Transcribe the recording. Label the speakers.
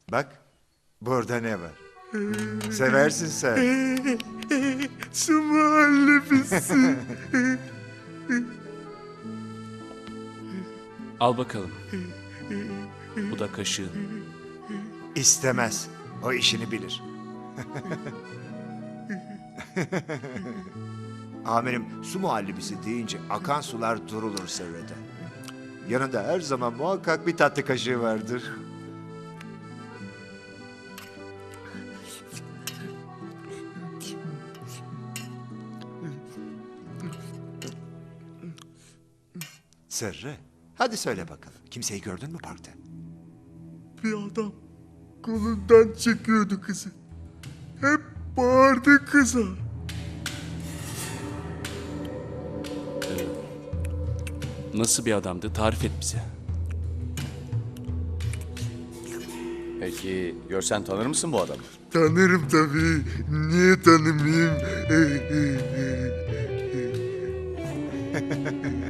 Speaker 1: Bak, burada ne var? Seversin sen.
Speaker 2: Su muhallebisi.
Speaker 3: Al bakalım. Bu da kaşığın.
Speaker 1: İstemez. O işini bilir. Amirim, su muhallebisi deyince akan sular durulur Serra'da. Yanında her zaman muhakkak bir tatlı kaşığı vardır. Serre, hadi söyle bakalım. Kimseyi gördün mü parkta?
Speaker 2: Bir adam kolundan çekiyordu kızı. Hep bağırdı kıza.
Speaker 3: Nasıl bir adamdı? Tarif et bize.
Speaker 4: Peki görsen tanır mısın bu adamı?
Speaker 2: Tanırım tabii. Niye tanımayayım?